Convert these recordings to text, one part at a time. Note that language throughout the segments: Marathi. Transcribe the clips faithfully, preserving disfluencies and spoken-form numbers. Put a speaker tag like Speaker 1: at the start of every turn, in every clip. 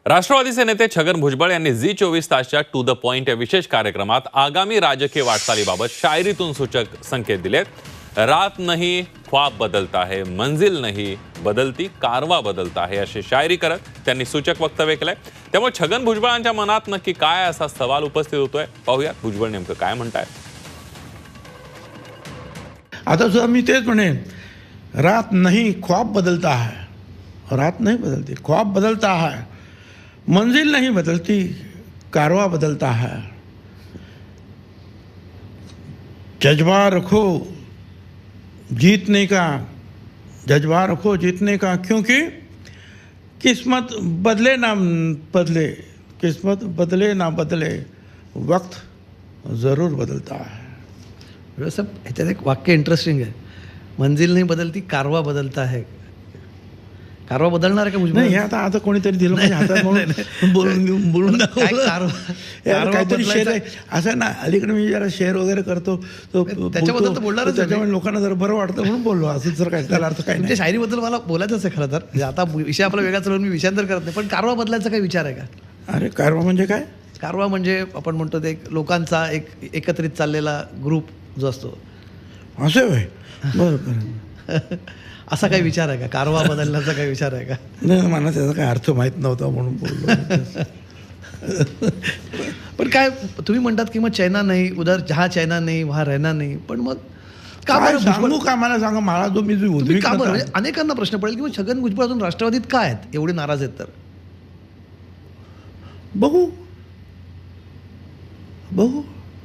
Speaker 1: राष्ट्रवादीचे नेते छगन भुजबळ यांनी झी चोवीस तासच्या टू द पॉइंट या विशेष कार्यक्रमात आगामी राजकीय वाटचालीबाबत शायरीतून सूचक संकेत दिलेत. रात नहीं ख्वाब बदलता है, मंजिल नहीं बदलती कारवा बदलता है अशी शायरी करत त्यांनी सूचक वक्तव्य केलंय. त्यामुळे छगन भुजबळांच्या मनात नक्की काय असा सवाल उपस्थित होतोय, पाहूया भुजबळ नेमकं काय म्हणतायत.
Speaker 2: आता सुद्धा मी तेच म्हणेन, रात नहीं ख्वाब बदलता है, रात नहीं बदलती ख्वाब बदलता है, मंजिल नहीं बदलती कारवा बदलता है. जज्बा रखो जीतने का, जज्बा रखो जीतने का, क्योंकि किस्मत बदले ना बदले, किस्मत बदले ना बदले, वक्त ज़रूर बदलता है.
Speaker 3: सब ह्याच्यात एक वाक्य इंटरेस्टिंग आहे, मंजिल नाही बदलती कारवा बदलता है. कारवा बदलणार आहे का भुजबळ?
Speaker 2: नाही, आता आता कोणीतरी दिलं म्हणजे हातात म्हणून बोलून बोलून काहीतरी शेअर आहे असं ना. अलीकडे मी जरा शेअर वगैरे करतो तो
Speaker 3: त्याच्याबद्दल तर बोलणारच,
Speaker 2: त्याच्यामुळे लोकांना जरा बरं वाटतं म्हणून बोललो. असं जर काय त्याला अर्थ काय नाही.
Speaker 3: शायरीबद्दल मला बोलायचंच आहे खरं तर. म्हणजे आता विषय आपला वेगळा चालवून मी विषयांतर करत नाही, पण कारवा बदलायचा काही विचार आहे का?
Speaker 2: अरे कारवा म्हणजे काय?
Speaker 3: कारवा म्हणजे आपण म्हणतो ते लोकांचा एक एकत्रित चाललेला ग्रुप जो असतो,
Speaker 2: असं होय. बरं बरं.
Speaker 3: असा काही विचार आहे का? कारवा बदलण्याचा काही विचार आहे का?
Speaker 2: नाही, मला त्याचा काही अर्थ माहीत नव्हता म्हणून बोललो.
Speaker 3: पण काय तुम्ही म्हणतात की मग चैना नाही, उधर जहा चैना नाही वहा रहना नाही, पण मग का बरं
Speaker 2: सांगू का? मला सांगा, मला जो मी जो
Speaker 3: का बरं? अनेकांना प्रश्न पडेल की मग छगन भुजबळ अजून राष्ट्रवादीत काय आहेत, एवढे नाराज आहेत? तर
Speaker 2: बघू बघू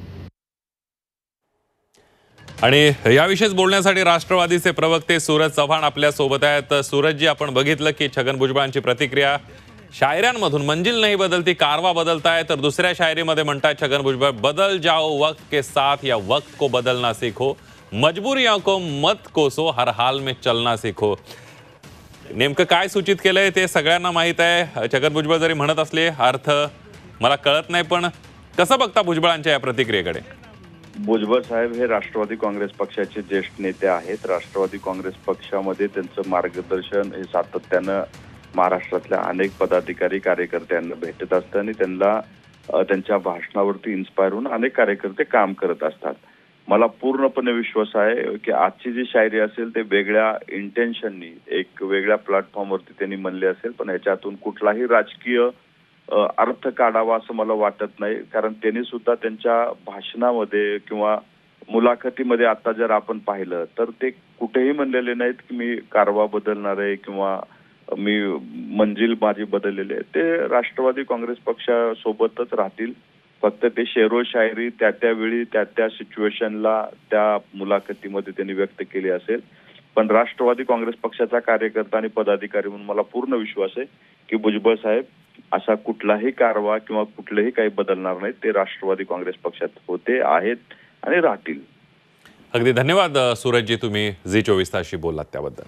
Speaker 1: आणि याविषयीच बोलण्यासाठी राष्ट्रवादीचे प्रवक्ते सूरज चव्हाण आपल्या सोबत आहेत. सूरजजी, आपण बघितलं की छगन भुजबळांची प्रतिक्रिया शायऱ्यांमधून मंजिल नहीं बदलती कारवा बदलता है, तर दुसऱ्या शायरीमध्ये म्हणतात छगन भुजबळ, बदल जाओ वक्त के साथ या वक्त को बदलना सीखो, मजबूरियों को मत कोसो, हर हाल में चलना सीखो. नेमकं काय सूचित केलंय ते सगळ्यांना माहीत आहे. छगन भुजबळ जरी म्हणत असले अर्थ मला कळत नाही, पण कसं बघता भुजबळांच्या या प्रतिक्रियेकडे?
Speaker 4: भुजबळ साहेब हे राष्ट्रवादी काँग्रेस पक्षाचे ज्येष्ठ नेते आहेत. राष्ट्रवादी काँग्रेस पक्षामध्ये त्यांचं मार्गदर्शन हे सातत्यानं महाराष्ट्रातल्या अनेक पदाधिकारी कार्यकर्त्यांना भेटत असतं आणि त्यांना त्यांच्या भाषणावरती इन्स्पायर होऊन अनेक कार्यकर्ते काम करत असतात. मला पूर्णपणे विश्वास आहे की आजची जी शायरी असेल ते वेगळ्या इंटेन्शननी एक वेगळ्या प्लॅटफॉर्मवरती त्यांनी म्हणले असेल, पण ह्याच्यातून कुठलाही राजकीय अर्थ काढावा असं मला वाटत नाही. कारण त्यांनी सुद्धा त्यांच्या भाषणामध्ये किंवा मुलाखतीमध्ये आता जर आपण पाहिलं तर ते कुठेही म्हणलेले नाहीत की मी कारवा बदलणार आहे किंवा मी मंजिल माझी बदललेली आहे. ते राष्ट्रवादी काँग्रेस पक्षासोबतच राहतील. फक्त ते शेरो शायरी त्या त्यावेळी त्या त्या सिच्युएशनला त्या मुलाखतीमध्ये त्यांनी व्यक्त केली असेल. पण राष्ट्रवादी काँग्रेस पक्षाचा कार्यकर्ता आणि पदाधिकारी म्हणून मला पूर्ण विश्वास आहे की भुजबळ साहेब असा कुठलाही कारवा किंवा कुठलेही काही बदलणार नाही. ते राष्ट्रवादी काँग्रेस पक्षात होते, आहेत आणि राहतील.
Speaker 1: अगदी धन्यवाद सूरजजी, तुम्ही झी चोवीस तासशी बोललात त्याबद्दल.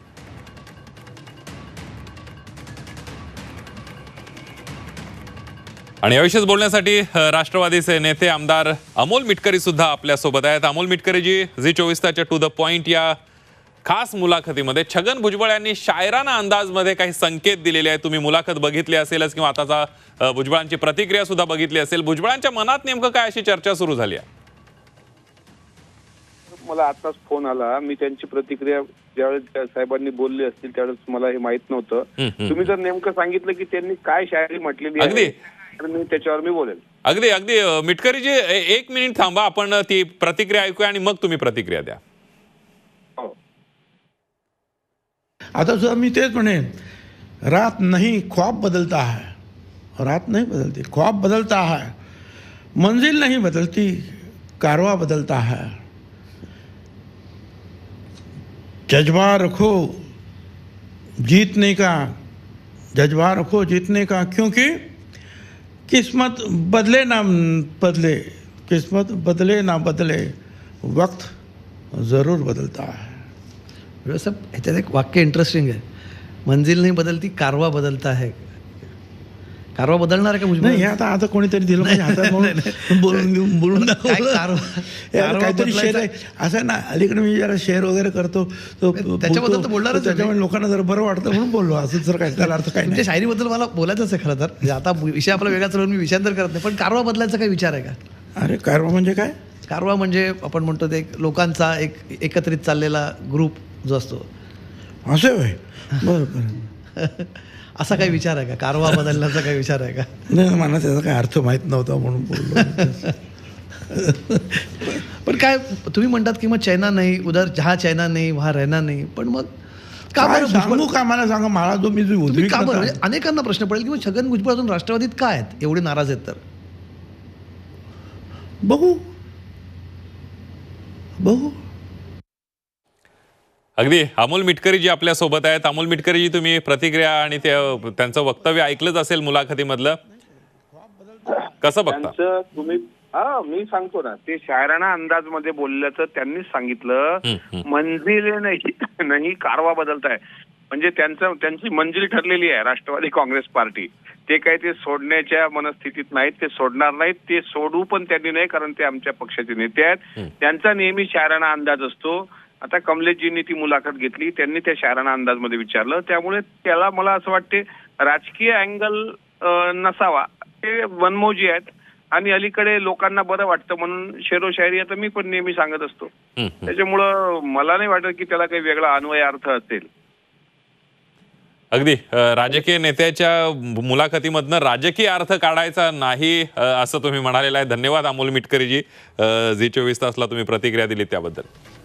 Speaker 1: आणि याविषयीच बोलण्यासाठी राष्ट्रवादीचे नेते आमदार अमोल मिटकरी सुद्धा आपल्या सोबत आहेत. अमोल मिटकरीजी, झी चोवीस तासच्या टू द पॉइंट या खास मुलाखतीमध्ये छगन भुजबळ यांनी शायराना अंदाजमध्ये काही संकेत दिलेले आहेत. तुम्ही मुलाखत बघितली असेलच किंवा आताचा भुजबळांची प्रतिक्रिया सुद्धा बघितली असेल. भुजबळांच्या मनात नेमकं काय अशी चर्चा सुरू झाली आहे?
Speaker 5: मला आताच फोन आला, मी त्यांची प्रतिक्रिया ज्यावेळेस साहेबांनी बोलली असतील त्यावेळेस मला हे माहित नव्हतं. तुम्ही जर नेमकं सांगितलं की त्यांनी काय शायरी म्हटलेली आहे तर मी त्याच्यावर मी बोलेल.
Speaker 1: अगदी अगदी मिटकरीजी, एक मिनिट थांबा, आपण ती प्रतिक्रिया ऐकूया आणि मग तुम्ही प्रतिक्रिया द्या.
Speaker 2: आता सुद्धा मी तेच म्हणेन, रात नहीं ख्वाब बदलता है, रात नहीं बदलती ख्वाब बदलता है, मंजिल नहीं बदलती कारवा बदलता है. जज्बा रखो जीतने का, जज्बा रखो जीतने का, क्योंकि किस्मत बदले ना बदले, किस्मत बदले ना बदले, वक्त ज़रूर बदलता है.
Speaker 3: सब ह्याच्यात एक वाक्य इंटरेस्टिंग आहे, मंजिल नाही बदलती कारवा बदलता है. कारवा बदलणार आहे का भुजबळ?
Speaker 2: नाही हे आता आता कोणीतरी दिलं म्हणजे हातात म्हणून बोलून घेऊन बोलून
Speaker 3: काय
Speaker 2: दाखवलं.
Speaker 3: कारवा-
Speaker 2: यार,
Speaker 3: कारवा
Speaker 2: काहीतरी शेअर आहे
Speaker 3: बदलायचा-
Speaker 2: असं ना. अलीकडे मी जरा शेअर वगैरे करतो तो
Speaker 3: त्याच्याबद्दल
Speaker 2: बोलतो,
Speaker 3: तर बोलणारच आहे मी.
Speaker 2: त्याच्यामुळे लोकांना जरा बरं वाटतं म्हणून बोललो. असं जर काय त्याला अर्थ काय
Speaker 3: तुमच्या
Speaker 2: नाही.
Speaker 3: शायरीबद्दल मला बोलायचंच आहे खरं तर. म्हणजे आता विषय आपला वेगळा चालवून मी विषयांतर करत नाही, पण कारवा बदलायचा काही विचार आहे का?
Speaker 2: अरे कारवा म्हणजे काय?
Speaker 3: कारवा म्हणजे आपण म्हणतो ते एक लोकांचा एक एकत्रित चाललेला ग्रुप जो असतो,
Speaker 2: असं होय. बरं बरं.
Speaker 3: असा काही विचार आहे का? कारवा बदलण्याचा काही विचार आहे का?
Speaker 2: नाही मला त्याचा काही अर्थ माहीत नव्हता म्हणून बोललो.
Speaker 3: पण काय तुम्ही म्हणतात की मग चैना नाही, उधर जहा चैना नाही वहा रहना नाही, पण मग का
Speaker 2: काय
Speaker 3: बरं
Speaker 2: सांगू
Speaker 3: भुजबळ-
Speaker 2: का मला सांगा. मला जो मी जो
Speaker 3: तुम्ही का बरं?
Speaker 2: उद्विग्नता
Speaker 3: म्हणजे अनेकांना प्रश्न पडेल की मग छगन भुजबळ अजून राष्ट्रवादीत काय आहेत, एवढे नाराज आहेत तर?
Speaker 2: बघू बघू
Speaker 1: अगदी अमोल मिटकरी जी आपल्या सोबत आहेत. अमोल मिटकरी जी, तुम्ही प्रतिक्रिया आणि ते- त्यांचं वक्तव्य ऐकलंच असेल मुलाखतीमधलं, कसं बघता?
Speaker 5: त्यांचं तुम्ही हा मी सांगतो ना, ते शायराना अंदाज मध्ये बोलल्याचं त्यांनीच सांगितलं.
Speaker 1: हम्म, हम्म.
Speaker 5: मंजिल नाही नाही कारवा बदलताय म्हणजे त्यांचं त्यांची मंजिल ठरलेली आहे राष्ट्रवादी काँग्रेस पार्टी. ते काही ते सोडण्याच्या मनस्थितीत नाहीत, ते सोडणार नाहीत. ते सोडू पण त्यांनी नाही, कारण ते आमच्या पक्षाचे नेते आहेत. त्यांचा नेहमी शायराना अंदाज असतो. आता कमलेशजींनी ती मुलाखत घेतली, त्यांनी त्या शायराना अंदाज मध्ये विचारलं, त्यामुळे त्याला मला असं वाटते राजकीय अँगल नसावा. ते वनमोजी आहेत आणि अलीकडे लोकांना बरं वाटतं म्हणून शेरो शायरी आता मी पण नेहमी सांगत असतो.
Speaker 1: हम्म, हम्म.
Speaker 5: त्याच्यामुळं मला नाही वाटत की त्याला काही वेगळा अन्वय अर्थ असेल.
Speaker 1: अगदी अ, राजकीय नेत्याच्या मुलाखतीमधनं राजकीय अर्थ काढायचा नाही अ, असं तुम्ही म्हणालेलं आहे. धन्यवाद अमोल मिटकरीजी, अ, झी चोवीस तासला तुम्ही प्रतिक्रिया दिली त्याबद्दल.